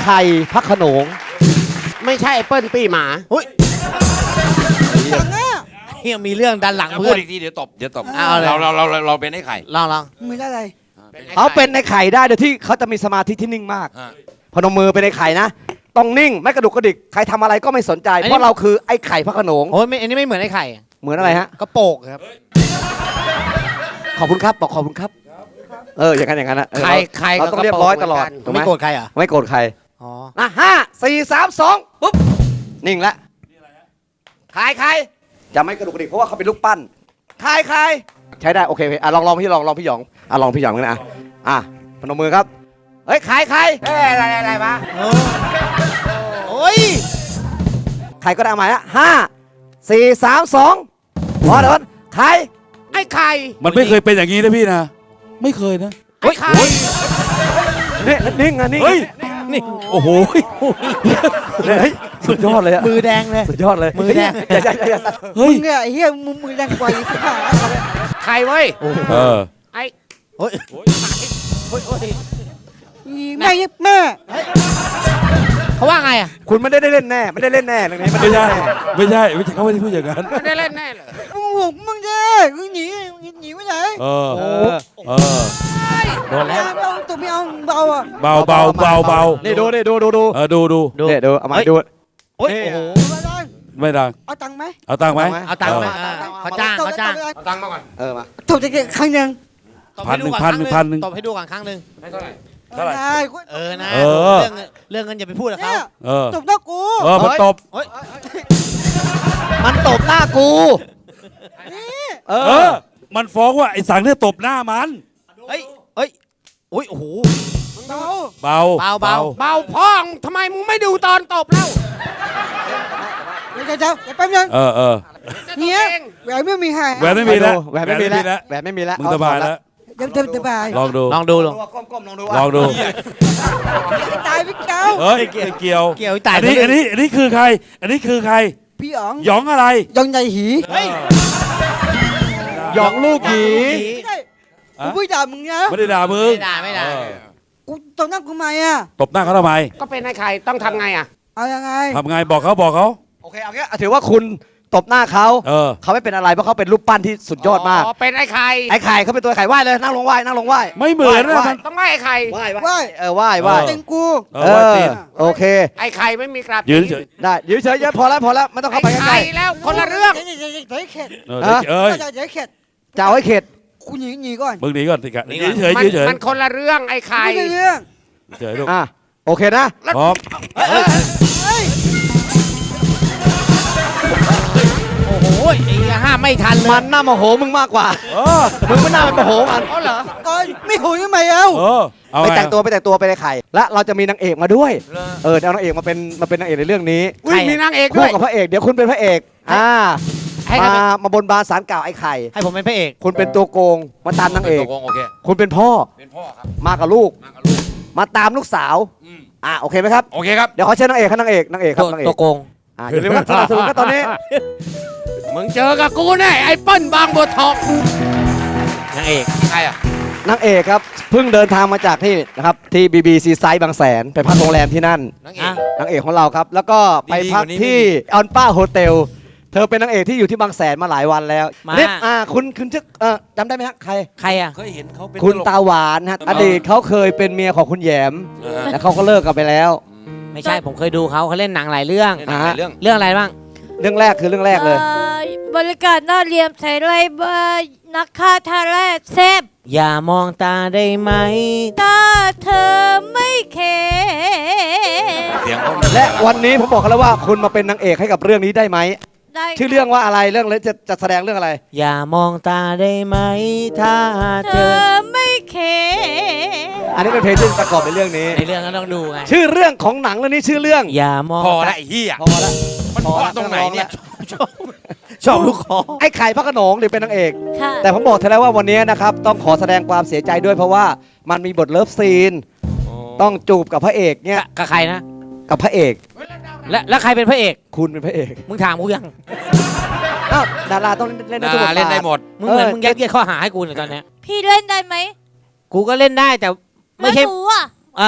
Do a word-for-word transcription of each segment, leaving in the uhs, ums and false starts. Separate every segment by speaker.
Speaker 1: ไข่พระโขนง
Speaker 2: ไม่ใช่ไอ้เปิ้ลปี้หมา
Speaker 3: เฮ้ยเฮียมีเรื่องดันหลัง
Speaker 4: พู
Speaker 3: เพื่อ
Speaker 4: ด
Speaker 3: น
Speaker 4: อีกทีเดี๋ยวตบเดี๋ยวตบ
Speaker 3: เอาเลย
Speaker 4: เราเราเราเราเราเป็นไอ้ไข่
Speaker 3: ลองลอง
Speaker 5: มืออะไร
Speaker 1: เขาเป็นในไข่ได้โดยที่เขาจะมีสมาธิที่นิ่งมาก
Speaker 4: ฮะ
Speaker 1: พนมมือเป็นในไข่นะต้องนิ่งไม่กระดุกกระดิกใครทำอะไรก็ไม่สนใจ เพราะเราคือไอ้ไข่พระโขนง
Speaker 3: โอ้ยไม่อันนี้ไม่เหมือนไอ้ไข่
Speaker 1: เหมือนอะไรฮะ
Speaker 3: กระโปกครับ
Speaker 1: ขอบคุณครับบอกขอบคุณครับเอออย่างนั้นอย่างนั้นนะเออ
Speaker 2: ไข่ไข่
Speaker 1: เราต้องเรียบร้อยตลอดถูกไหม
Speaker 3: ไม่โกรธใครเหรอ
Speaker 1: ไม่โกรธใคร
Speaker 3: อ๋อ
Speaker 1: นะห้าสี่สามสองปุ๊บนิ่งละขายใครจะไม่กระดุกกระดิกเพราะว่าเขาเป็นลูกปั้นขายใครใช้ได้โอเคโอเคอ่ะลองลองพี่ลองลองพี่หยองอ่ะลองพี่หยองกันนะอ่ะอ่ะพนมมือครับเฮ้ยขายใคร
Speaker 2: เอ้ยอะไรอะไรวะ
Speaker 3: โอ้ย
Speaker 1: ใครก็ได้เอาใหม่ฮะห้าสี่สามสองพอเดี๋ยวใคร
Speaker 2: ไอ้ไข่
Speaker 6: มันไม่เคยเป็นอย่างนี้นะพี่นะ ไม่เคยนะ
Speaker 2: ไอ้ไข่
Speaker 1: นี่นิ่งอ่ะนิ่ง
Speaker 6: เฮ้ย
Speaker 3: นี่
Speaker 6: โอ้โห
Speaker 1: เฮ้ยสุดยอดเลยอะ
Speaker 3: มือแดงเลย
Speaker 1: สุดยอดเลย
Speaker 3: มือแดง
Speaker 1: อย่าอย่าอย่าอย่า
Speaker 6: เฮ้ย
Speaker 5: มึงเนี่ยไอ้เหี้ยมึงมือแรงกว่าอีกสิบห้า
Speaker 2: ไข่เว้ย
Speaker 6: เออ
Speaker 2: ไอ้
Speaker 3: โอ้ยโอ้ยโอ้ยโอ้ย
Speaker 5: แม่ยิบแม่
Speaker 3: เขาว่าไงอ่ะ
Speaker 1: คุณไม่ได้เล่นแน่ไม่ได้เล่นแน่เรื่องนี้
Speaker 6: ไม่ใช่ ไม่ใช่ ไม่ใช่เขาไม่ได้พูดอย่างนั้น
Speaker 2: ไม่ได้เล่นแน่เลย
Speaker 5: มึงห่วงมึงเด้มึงหนีหนีไปไหน
Speaker 6: เออ
Speaker 1: เออ
Speaker 6: เออ โดนแล้ว
Speaker 5: ไม่เอาตัวไม่เอาเบาอ่ะ
Speaker 6: เบาเบาเบาเบา
Speaker 1: นี่ดูนี่ดูดูดู
Speaker 6: เออ ดูดู
Speaker 3: ดู
Speaker 1: เนี่ยดูเอามา
Speaker 3: เฮ้ย
Speaker 1: ดู
Speaker 3: โอ้ย
Speaker 1: นี่
Speaker 3: โอ้โห
Speaker 5: ไม่ได้
Speaker 6: ไม่ดัง
Speaker 5: เอาตังค์ไหม
Speaker 6: เอาตังค์ไหม
Speaker 3: เอาตังค์ไหม
Speaker 1: เออ
Speaker 3: เออเขาจ้างเขาจ้าง
Speaker 2: เอาตังค์มาก่อน
Speaker 1: เออมา
Speaker 5: ตบจะเก็บครั้งหนึ่ง
Speaker 3: ตบให้ดูก่อ
Speaker 6: พันหนึ่งพันหนึ่ง
Speaker 3: ตบให้ดูก่อนครั้งหนึ่ง
Speaker 2: ให้เท่าไหร่
Speaker 6: เท่าไหร่
Speaker 5: ได้
Speaker 3: เออนะ
Speaker 6: เออ
Speaker 3: เรื่องเงินเรื่องเงินอย่าไปพูดกับเขา
Speaker 5: เนี่ย
Speaker 6: เออ
Speaker 5: ตบหน้ากู
Speaker 6: เออมันตบ
Speaker 3: โอ้ย
Speaker 1: มันตบหน้ากู
Speaker 5: นี่
Speaker 1: เอ
Speaker 6: เอ
Speaker 1: อ
Speaker 6: อ มันฟ้องว่าไอ้สังเนี่ยตบหน้ามัน
Speaker 3: เฮ้ยเฮ้ยโอ้ยโอ้โห
Speaker 5: เบา
Speaker 6: เบา
Speaker 3: เบาเบา
Speaker 2: เบาพ่องทำไมมึงไม่ดูตอนตบเล่า
Speaker 5: เดี๋ยวเดี๋ยวเดี๋ยวแป๊บนึง
Speaker 6: เออเออ
Speaker 5: เนี่ยแหวนไม่มีให้
Speaker 6: แหวนไม่มีแล้ว
Speaker 1: แหวนไม่มีแล้วแหวนไม่มีแล้ว
Speaker 6: มึงสบายแล้ว
Speaker 5: เดี๋ยวเดี๋ยวเดี๋ยวไป
Speaker 6: ลองดู
Speaker 3: ลองดูลอง
Speaker 1: ก้มๆลองดู
Speaker 6: ลองดู
Speaker 5: ตายพี่เก้า
Speaker 6: เฮ้ยไม่เกี่ยว
Speaker 3: เกี่ยวไอ้ตาย
Speaker 6: อันนี้อันนี้อันนี้คือใคร อันนี้คือใคร
Speaker 5: พี่อ๋อง
Speaker 6: หยองอะไร
Speaker 5: ยองใหญ่หี
Speaker 3: เฮ้ย
Speaker 1: หยองลูกหยี
Speaker 5: ไม่ได้กูไม่ด่ามึงนะ
Speaker 6: ไม่ได้ด่ามึง
Speaker 3: ไม่ด่าไม่ด่า
Speaker 6: เออ
Speaker 5: กูตบหน้ากูทำไมอ่ะ
Speaker 6: ตบหน้าเขาทำไม
Speaker 2: ก็เป็นไอ้ไข่ต้องทำไงอ่ะ
Speaker 5: เอายังไง
Speaker 6: ทำไงบอกเขาบอกเขา
Speaker 1: โอเคเอางี้ถือว่าคุณตบหน้าเขา
Speaker 6: เออ
Speaker 1: เขาไม่เป็นอะไรเพราะเขาเป็นรูปปั้นที่สุดยอดมาก
Speaker 2: อ๋อเป็นไอ้ไข่
Speaker 1: ไอ้ไข่เขาเป็นตัวไข่ไหว้เลยนั่งลงไหว้นั่งลงไหว้
Speaker 6: ไม่เหมือนนะ
Speaker 1: ไหว้
Speaker 6: มัน
Speaker 2: ต้องไหว้ไอ้ไข่
Speaker 1: ไหว้ไหว้เออไหว้ไหว้
Speaker 6: เออ
Speaker 5: เต็งกู
Speaker 6: เอ
Speaker 1: เอ
Speaker 6: อว่า
Speaker 1: อ
Speaker 6: ตีน
Speaker 1: โอเค
Speaker 2: ไอ้ไข่ไม่มีกราบ
Speaker 6: ยืนเฉย
Speaker 1: ได้ยืนเฉยๆพอแล้วพอแล้วไม่ต้อง
Speaker 2: ไอ้
Speaker 1: เข้าไปใก
Speaker 2: ไข่
Speaker 1: ล้
Speaker 2: แล้วคนละเรื่อง
Speaker 5: เดี๋ยวเดี๋ยวเดี๋ยวเดี๋ยวเข็ด
Speaker 6: เออเดี๋ยวเอ้ย
Speaker 5: เดี๋ยวเดี๋ยวเข็ด
Speaker 1: ๆจะเอาให้เข็ด
Speaker 5: กูหนีหนีก่อน
Speaker 6: มึงหนีก่อนสิกะ
Speaker 3: หนี
Speaker 6: ยื
Speaker 3: ก่อน
Speaker 6: นเฉย
Speaker 2: มัน
Speaker 6: ยืนเฉย
Speaker 2: มันคนละเรื่องไอ้ไข่
Speaker 5: ไม่ได้เรื่อง
Speaker 6: เฉยลูก
Speaker 1: อ่ะโอเคนะ
Speaker 6: พร้อม
Speaker 5: เฮ้ย
Speaker 3: โอ้โหไอ้ห้ามไม่ทันเลย
Speaker 1: มันน่าโมโหมึงมากกว่า
Speaker 6: เออ
Speaker 1: มึงไม่น่าไปโมโหมัน
Speaker 2: อ๋อเหรอ
Speaker 5: ก่อนไม่หูยังไงเอ้า
Speaker 6: เออเอา
Speaker 1: ไป
Speaker 6: ไง
Speaker 1: แต่งตัวไปแต่งตัวไปในไข่ และเราจะมีนางเอกมาด้วย เออเอานางเอกมาเป็นมาเป็นนางเอกในเรื่องนี้
Speaker 2: อุ้ยมีนางเอกด้
Speaker 1: คู่
Speaker 2: วย
Speaker 1: กับพระเอกเดี๋ยวคุณเป็นพระเอกอ่า
Speaker 3: ให้ใคร
Speaker 1: มา
Speaker 3: เป็น
Speaker 1: มาบนบานสารกล่าวไอ้ไข่
Speaker 3: ให้ผมเป็นพระเอก
Speaker 1: คุณเป็นตัวโกงมาตามนางเอก
Speaker 4: ตกลงโอเค
Speaker 1: คุณเป็นพ่อ
Speaker 4: เป็นพ่อครับ
Speaker 1: มากับลูก
Speaker 4: มากับลูก
Speaker 1: มาตามลูกสาว
Speaker 4: อืม
Speaker 1: อ่าโอเคไหมครับ
Speaker 4: โอเคครับ
Speaker 1: เดี๋ยวขอเชิญนางเอกครับนางเอกนางเอกครั
Speaker 3: ตั
Speaker 1: บ
Speaker 3: วน
Speaker 1: างเอก
Speaker 3: ตัวโกง
Speaker 1: อ่าอย่าลืมครับสนับสนุนกันตอนนี้
Speaker 2: มึงเจอกับกูแน่ไอ้เปิ้ลบางบัวทอง
Speaker 3: นางเอก
Speaker 4: ใครอ่ะ
Speaker 1: นางเอกครับเพิ่งเดินทางมาจากที่นะครับที่บีบีซีไซด์บางแสนไปพักโรงแรมที่นั่น
Speaker 4: นางเอ
Speaker 3: อ่ะ
Speaker 4: ก
Speaker 1: นางเอกของเราครับ แล้วก็ไปพัก
Speaker 4: ดีๆกว่านี้
Speaker 1: ที่ออนป้าโฮเทลเธอเป็นนางเอกที่อยู่ที่บางแสนมาหลายวันแล้ว
Speaker 3: มา
Speaker 1: เนี่ยอ่าคุณคุณชื่อเออจำได้ไหมฮะใคร
Speaker 3: ใครอ่ะ
Speaker 4: เคยเห็นเขาเป็น
Speaker 1: คุณ
Speaker 4: ตลก
Speaker 1: ตาหวานฮะอดีตเขาเคยเป็นเมียของคุณแหยม
Speaker 4: เออ
Speaker 1: แล้วเขาก็เลิกกันไปแล้ว
Speaker 3: ไม่ใช่ผมเคยดูเขาเขาเล่นหนังหลายเรื่อง
Speaker 4: ในหนังหลายเรื่อง
Speaker 3: เรื่องอะไรบ้าง
Speaker 1: เรื่องแรกคือเรื่องแรกเลย
Speaker 7: อ่อบบริการน่าเรียมใส่ไรเบอร์นักฆ่าทาแรกเซฟ
Speaker 3: อย่ามองตาได้ไหม
Speaker 7: ถ้าเธอไม่เค
Speaker 4: เสียงเขา
Speaker 1: และวันนี้ผมบอกเขาแล้วว่าคุณมาเป็นนางเอกให้กับเรื่องนี้ได้ไหม
Speaker 7: ได้
Speaker 1: ชื่อเรื่องว่าอะไรเรื่องเลยจะจะแสดงเรื่องอะไร
Speaker 3: อย่ามองตาได้ไหม ถ้า
Speaker 7: เธ
Speaker 3: เธอ
Speaker 7: อไม่เค
Speaker 1: อันนี้เป็นเพลงที่ประกอบในเรื่องนี้
Speaker 3: ในเรื่องก็ต้องดูไง
Speaker 1: ชื่อเรื่องของหนังเรื่องนี้ชื่อเรื่อง
Speaker 3: อย่ามอง
Speaker 4: พอ
Speaker 3: ตา
Speaker 4: ละไอ้เหี้ย
Speaker 1: พอละ
Speaker 4: มันพอตรงไหนเนี่ย
Speaker 3: ชอบลูกคอ
Speaker 1: ไอ้ไข่พระโขนงหรือเป็นนางเอก
Speaker 7: ค่ะ
Speaker 1: แต่ผมบอกเธอแล้วว่าวันนี้นะครับต้องขอแสดงความเสียใจด้วยเพราะว่ามันมีบทเลิฟซีน ต้องจูบกับพระเอกเนี่ย
Speaker 3: กับใครนะ
Speaker 1: กับพระเอก
Speaker 3: และแล้วใครเป็นพระเอก
Speaker 1: คุณเป็นพระเอก
Speaker 3: มึงถามกูยัง
Speaker 1: อ้าวดาราต้องเล่นได้
Speaker 4: ดา
Speaker 1: ทุกบ
Speaker 4: รา
Speaker 1: ท
Speaker 4: เล่น
Speaker 1: บา
Speaker 4: ได้
Speaker 1: ท
Speaker 4: หมด
Speaker 3: มึงเหมือน
Speaker 1: เออ
Speaker 3: มึงยัดเยียดข้อหาให้กูเนี่ยตอนเนี้ย
Speaker 7: พี่เล่นได้ไหม
Speaker 3: กูก็เล่นได้แต่ไม่ใช่
Speaker 7: แล้วหนูอ่ะ
Speaker 3: อ่า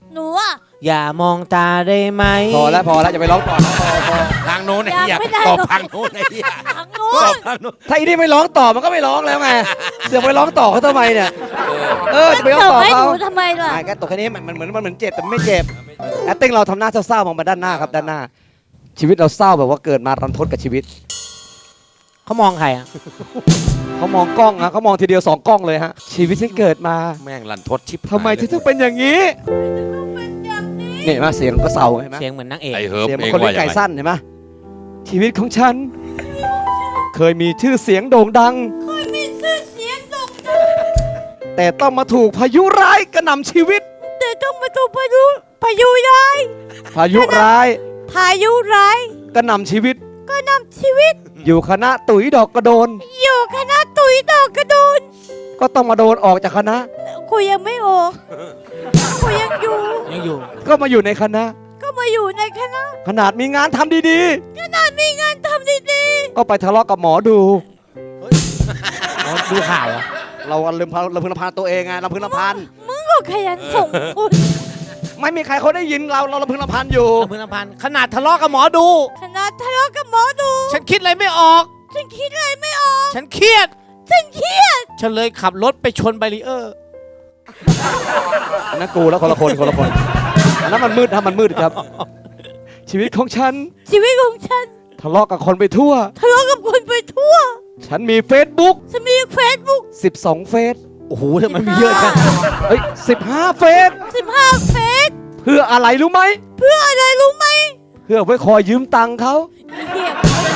Speaker 7: หนูอะ
Speaker 3: อย่ามองตาได้ไหม
Speaker 1: พอแล้วพอแล้วอย่าไปร้องต่อนะพอพอ
Speaker 4: ทางโน้นไอ้เหี้ย
Speaker 7: ยังไม่ได้
Speaker 4: ตอบ
Speaker 7: หรอก
Speaker 4: ทางโน้นไอ้เหี้ย
Speaker 7: ทางนู้
Speaker 4: ตอน บทางโน้น
Speaker 1: ถ้าอีนี่ไม่ร้องต่อมันก็ไม่ร้องแล้วไงเสือกไปร้องต่อเขาทำไมเนี่ยเออจะไปร้อง
Speaker 7: เสิร์ฟ
Speaker 1: ต่อ
Speaker 7: ให้ห
Speaker 1: เขา
Speaker 7: นูทำไมล่ะ
Speaker 1: ไอ้แกตกแค่นี้มันมันเหมือนมันเหมือนเจ็บแต่มันไม่เจ็บแอตติ้งเราทำหน้าเศร้าๆมองมาด้านหน้าครับด้านหน้า ชีวิตเราเศร้าแบบว่าเกิดมารันทดกับชีวิต
Speaker 3: เขามองใครอ่ะ
Speaker 1: เขามองกล้องนะเขามองทีเดียวสองกล้องเลยฮะชีวิตฉันเกิดมา
Speaker 4: แม่งลันทดชิบ
Speaker 1: ทำไมถึงต้องเป็นอย่างนี้นี่มาเสียงก็เศร้าเห็นไหม
Speaker 3: เสียงเหมือนนางเอก
Speaker 4: ไอ้เฮิร์ม
Speaker 1: เสียงเหมื
Speaker 4: เอ
Speaker 1: อง นคน
Speaker 4: ว่า
Speaker 1: เลี้ยง
Speaker 4: อย่าง
Speaker 1: ไก่
Speaker 4: ไร
Speaker 1: สั้นเห็นไหมชีวิตของฉัน เคยมีชื่อเสียงโด่งดัง
Speaker 7: เคยมีชื่อเสียงโด่งดัง
Speaker 1: แต่ต้องมาถูกพายุร้ายกระหน่ำชีวิต
Speaker 7: แต่ต้องมาถูกพายุพายุร้าย
Speaker 1: พายุร้าย
Speaker 7: พายุร้าย
Speaker 1: กระหน่ำชีวิต
Speaker 7: ก็นำชีวิต
Speaker 1: อยู่คณะตุ๋ยดอกกระโดน
Speaker 7: อยู่คณะตุ๋ยดอกกระโดน
Speaker 1: ก็ต้องมาโดนออกจากคณะ
Speaker 7: คุยยังไม่ออกคุยยังอยู่
Speaker 3: ยังอยู่
Speaker 1: ก็มาอยู่ในคณะ
Speaker 7: ก็มาอยู่ในคณะ
Speaker 1: ขนาดมีงานทำดี
Speaker 7: ขนาดมีงานทำดี
Speaker 1: ๆ ก็ไปทะเลาะกับหมอดู
Speaker 3: อ๋อดูข่าวเหรอ
Speaker 1: เราลืมพาเราพึงลำพานตัวเองไงลำพึงลำพัน
Speaker 7: ๆมึงก็ขยันส่งคุณ
Speaker 1: ไม่มีใครเขาได้ยินเราเราลำพึงลำพันอยู่
Speaker 3: ลำพึงลำพันขนาดทะเลาะกับหมอดู
Speaker 7: ขนาดทะเลาะกับหมอดู
Speaker 3: ฉันคิดอะไรไม่ออก
Speaker 7: ฉันคิดอะไรไม่ออก
Speaker 3: ฉันเครียด
Speaker 7: ฉันเครียด
Speaker 3: ฉันเลยขับรถไปชนแบรีเออร์
Speaker 1: อันนั้นกูแล้วคนละคนคนละคนอันนั้นมันมืดนะมันมืดครับ ชีวิตของฉัน
Speaker 7: ชีวิตของฉัน
Speaker 1: ทะเลาะกับคนไปทั่ว
Speaker 7: ทะเลาะกับคนไปทั่ว
Speaker 1: ฉันมี Facebook
Speaker 7: ฉันมีเฟซบุ๊ก
Speaker 1: สิบสองเฟซ
Speaker 3: โอ้โหทำไมมีเยอะจัง
Speaker 1: เฮ้ยสิบห้าเฟซ
Speaker 7: สิบห้าเฟซ
Speaker 1: เพื่ออะไรรู้ไหม
Speaker 7: เพื่ออะไรรู้ไหม
Speaker 1: เพื่อไว้คอยยืมตังค์เขา
Speaker 7: เหี้ย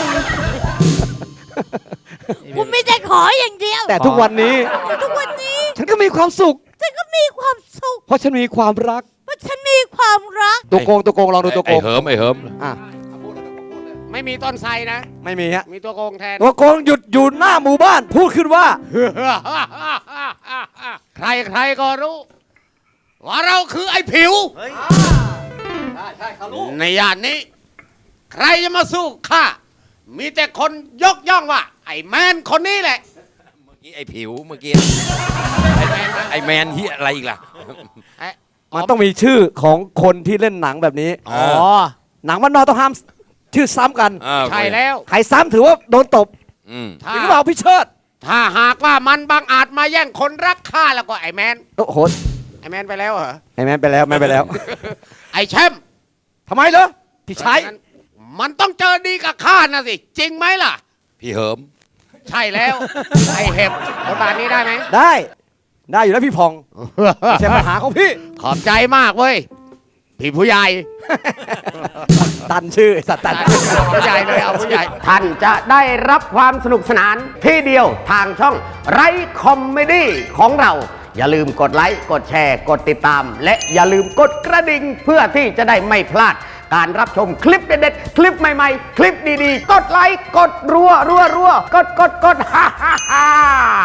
Speaker 7: กูไม่ได้ขออย่างเดียว
Speaker 1: แต่ทุกวันนี้
Speaker 7: แต่ทุกวันนี้
Speaker 1: ฉันก็มีความสุข
Speaker 7: ฉันก็มีความสุข
Speaker 1: เพราะฉันมีความรัก
Speaker 7: เพราะฉันมีความรัก
Speaker 1: ตัวโกงตัวโกงลองดูตัวโก
Speaker 4: ไอ้
Speaker 1: ง
Speaker 4: เฮิร์มไอ้เฮิร์ม
Speaker 1: อ่ะ
Speaker 2: ไม่มีต้นไทรนะ
Speaker 1: ไม่มีฮะ
Speaker 2: มีตัวโกงแทน
Speaker 1: ตัวโกงหยุดอยู่หน้าหมู่บ้าน พูดขึ้นว่า
Speaker 2: ใครใครก็รู้ ว่าเราคือไอ้ผิว ในย่านนี้ ใครจะมาสู้ข้า มีแต่คนยกย่องว่า ไอ้แมนคนนี้แหละ
Speaker 4: เมื่อกี้ไอ้ผิวเมื่อกี้ไอ้แมนเฮียอะไรอีกล่ะ
Speaker 1: มันต้องมีชื่อของคนที่เล่นหนังแบบนี้
Speaker 4: อ๋อ
Speaker 1: หนังมันนอกต้องห้ามชื่อซ้ำกัน
Speaker 4: อ่า
Speaker 2: ใช่แล้ว
Speaker 1: ใครซ้ำถือว่าโดนตบ
Speaker 4: อืม
Speaker 2: ถ้า
Speaker 1: หรือเปล่าพี่เชิด
Speaker 2: ถ้าหากว่ามันบังอาจมาแย่งคนรักข้าแล้วก็ไอ้แมน
Speaker 1: โอ้โห
Speaker 2: ไอ้แมนไปแล้วเหรอ
Speaker 1: ไอ้แม่นไปแล้วแม่นไปแล้ว
Speaker 2: ไอ้แชมป์
Speaker 1: ทำไมเหรอพี่ใช้
Speaker 2: งั้นมันต้องเจอดีกับข้านะสิ จริงไหมล่ะ
Speaker 4: พี่เฮิร์ม
Speaker 2: ใช่แล้ว ไอ้เห็บ บทบาทนี้ได้ไหม
Speaker 1: ได้ ได้อยู่แล้วพี่พองไม่ใช่ปัญหาของพี่
Speaker 2: ขอบใจมากเว้ย พี่ผู้ใหญ่
Speaker 1: ตันชื่อไอ้สัตว์ตัน
Speaker 2: ผู้ใหญ่เลยเอาผู้ใหญ่ ท่านจะได้รับความสนุกสนานที่เดียวทางช่องไรคอมเมดี้ของเรา อย่าลืมกดไลค์ กดแชร์ กดติดตาม และอย่าลืมกดกระดิ่งเพื่อที่จะได้ไม่พลาด การรับชมคลิปเด็ดๆ คลิปใหม่ๆ คลิปดีๆ กดไลค์ กดรัวรัวรัวกดกดกดฮ่าฮ่าฮ่า